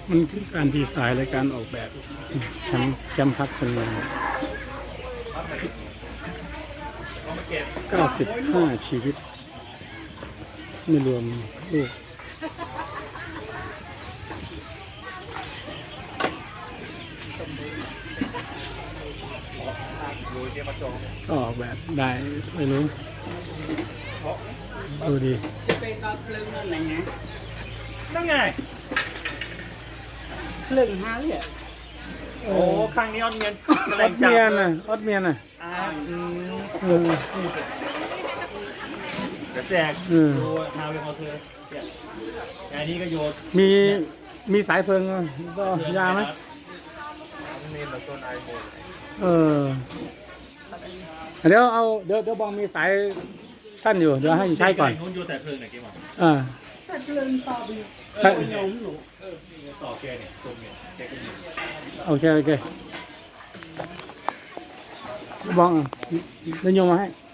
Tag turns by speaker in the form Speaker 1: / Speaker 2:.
Speaker 1: มันคือการดีไซน์และการออกแบบแคมป์พักคนงาน95 ชีวิตไม่รวมลูกก็ออกแบบได้ไม่รู้ดูดี
Speaker 2: นั่นไง
Speaker 3: เรื่องฮาเลยอ่ะ
Speaker 2: โอ้ครั้งนี้ออดเมียน
Speaker 1: ออดเมียนน่ะออดเมียนน่ะ
Speaker 2: กระแสกดูฮาวเวอร์เขาเธออันนี้ก็โยน
Speaker 1: มีสายเพลิงก็ยาไหมเออเดี๋ยวบองมีสายท่านอยู่เดี๋ยวให้ใช้ก่อน
Speaker 2: โยนแต่เพลิงไหนกี่หมอ
Speaker 3: แต่เพลิงต่อไปโยมหนู
Speaker 2: ต่อแกเนี่ยตรงเนี่ยแกก็มี
Speaker 1: โอเคบองเดี๋ยวโยมมาให้